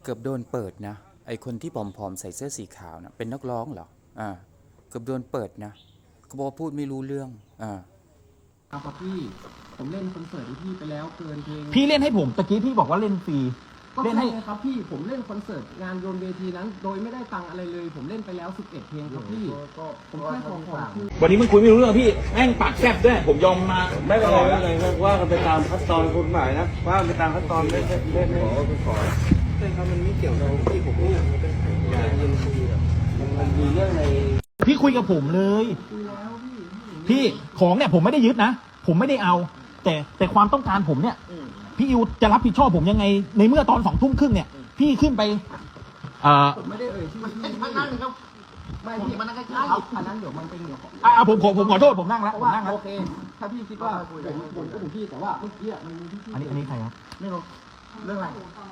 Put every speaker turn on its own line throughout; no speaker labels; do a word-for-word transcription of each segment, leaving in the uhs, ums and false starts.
เกือบโดนเปิดนะไอคนที่ผอมๆใส่เสื้อสีขาวนะเป็นนักร้องเหรออ่าเกือบโดนเปิดนะเขาบอกว่าพูดไม่รู้เรื่องอ่า
ครับพี่ผมเล่นคอนเสิร์ตที่พี่ไปแล้วเกินเพลง
พี่เล่นให้ผมตะกี้พี่บอกว่าเล่นฟรี
ก็
เล่น
ใช่
ให้
ไงครับพี่ผมเล่นคอนเสิร์ตงานโยนเวทีนั้น โดยไม่ได้ตังค์อะไรเลย ผมเล่นไปแล้วสิบเอ็ดเพลงครับพี่ผมแค่ขอขอคือ
วันนี้มึงคุยไม่รู้เรื่องพี่แม่งปากแซ่บด้วยผมยอมมา
ไม่เป็นไรไม่เป็นไรว่ากันไปตามขั้นตอนกฎหมายนะว่ากันไปตามขั้นตอนไม่ไม่ไม่ไม่ขอไม่ขอใช่ครับมันไม่เกี่ยวกับที่ผมพูดมันเป็นการยินคุยแบบมันมีเรื่องใน
พี่คุยกับผมเลย
คุยแล้วพี่
พี่ของเนี่ยผมไม่ได้ยึดนะผมไม่ได้เอา แต่แต่ความต้องการผมเนี่ยพี่อิวจะรับผิดชอบผมยังไง ในเมื่อตอนสองทุ่มครึ่งเนี่ยพี่ขึ้นไปเอ่อ
ผมไม่ได้เอ่ยชื่อพี่
มันนั่งครับ
ไม่พี่มันนั่งใกล้ๆอันนั้นเดี๋ยวมันเป็นเดี๋ยว
อ่าผมผมผมขอโทษผมนั่งแล้ว
เพ
ผ
ราะ
ม
ว่า
นั่งแล้ว
โอเคถ้าพี่คิดว่าผมผมก็ถึงพี่แต่ว่าเมื่อกี้มันมีที่พี่
อันนี้อันนี้ใครครับ
ไม่รู้เรื่องอะไร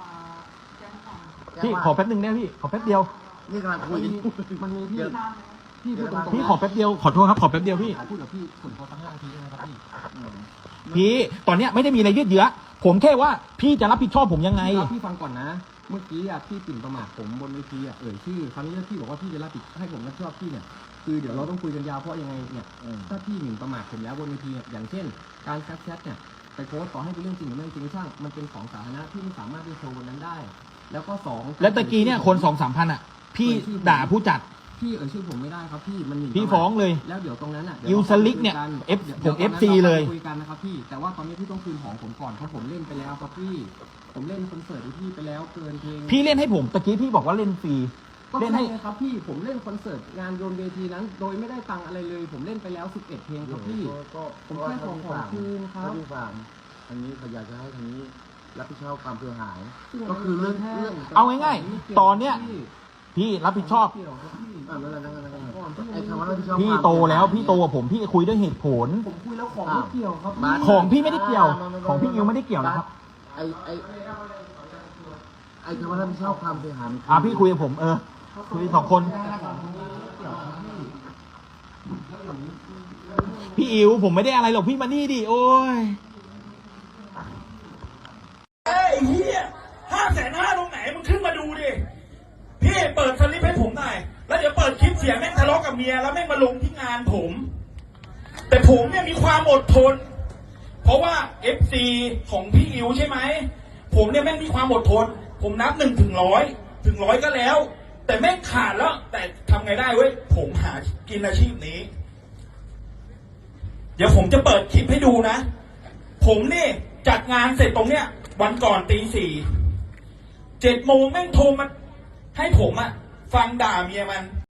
พี่ขอแป๊บนึงได้พี่ขอแป๊บเดียว
นี่กำลังคุ
มั
ย
นมีมันมีพี่พี่พูดตรงๆ
พี่ขอแป๊บเดียวขอโทษครับขอแป๊บเดียวพี่
พูดกับพี่ส่วนเขาตั้งล่างทีนะครับพี่
พี่ตอนเนี้ยไม่ได้มีอะไรยืดเยื้อผมแค่ว่าพี่จะรับผิดชอบผมยังไง
พี่ฟังก่อนนะ เมื่อกี้อ่ะพี่ปิ่นประมาทผมบนเวทีอ่ะเอ่ยชื่อคราวนี้ถ้าพี่บอกว่าพี่จะรับผิดให้ผมรับผิดชอบพี่เนี่ยคือเดี๋ยวเราต้องคุยกันยาวเพราะยังไงเนี่ยถ้าพี่หมิ่นประมาทผมแล้วบนเวทีเนี่ยอย่างเช่น การแคปแชทเนี่ยไปโพสต์ต่อให้เป็นเรื่องจริงหรือไม่จริงช่างมันเป็นของสาธารณะพี่ไม่สามารถไปโชว์บนนั้นได้ แล้วก็สอง
แล้วตะกี้เนี่ยคนสองสามพันอ่ะ พี่ด่าผู้จัด
พี่เอ่ยชื่อผมไม่ได้ครับพี่มันหมิ่น
พี่ฟ้องเลย
แล้วเดี๋ยวตรงนั้นอ่ะ
ยูสลิกเนี่ย F ผม เอฟ ซี เลย
คุยกันนะครับพี่แต่ว่าตอนนี้พี่ต้องคืนของผมก่อนเพราะผมเล่นไปแล้วครับพี่ผมเล่นคอนเสิร์ตที่พี่ไปแล้วเกินเพลง
พี่เล่นให้ผมตะกี้พี่บอกว่าเล่นฟรี
ก็
เล่น
ใช่
ให้
ไงครับพี่ผมเล่นคอนเสิร์ตงานโยนเวทีนั้น โดยไม่ได้ตังค์อะไรเลย ผมเล่นไปแล้วสิบเอ็ดเพลงครับพี่ ผมแค่ขอขอคืนครับ
ที่ฟังอันนี้เขาอยากจะให้ทางนี้รับผิดชอบความเสียหาย ก็คือเรื่องเรื่อง
เอาง่ายๆตอนเนี้ยพี่รับผิดชอบ
เกี่ยวครับพี่
อ่ะนั่นแหละนั่นแหละนั่นแหละไอ้คำว่ารับผิดชอบ
พี่โตแล้วพี่โตกว่าผมพี่คุยด้วยเหตุผล
ผมคุยแล้วของไม่เกี่ยวครับพี่
ของพี่ไม่ได้เกี่ยว ของพี่อิวไม่ได้เกี่ยวนะครับ
ไอ้ไอ้ไอ้คำว่ารับผิดชอบความเสียหาย
อ่าพี่คุยกับผมเออคุยสองคน พี่อิวผมไม่ได้อะไรหรอกพี่มานี่ดิโอ้ย
ไอ้เหี้ยห้าแสนห้าตรงไหนมึงขึ้นมาดูดิ พี่เปิดสลิปให้ผมหน่อย แล้วเดี๋ยวเปิดคลิปเสียงแม่งทะเลาะกับเมียแล้วแม่งมาลงที่งานผม แต่ผมเนี่ยมีความอดทน เพราะว่า เอฟ ซี ของพี่อิวใช่ไหม ผมเนี่ยแม่งมีความอดทน ผมนับหนึ่งถึงร้อยถึงร้อยก็แล้ว แต่แม่งขาดแล้ว แต่ทำไงได้เว้ย ผมหากินอาชีพนี้ เดี๋ยวผมจะเปิดคลิปให้ดูนะ ผมนี่จัดงานเสร็จตรงเนี้ย วันก่อนตีสี่เจ็ดโมงแม่งโทรมาให้ผมอะฟังด่าเมียมัน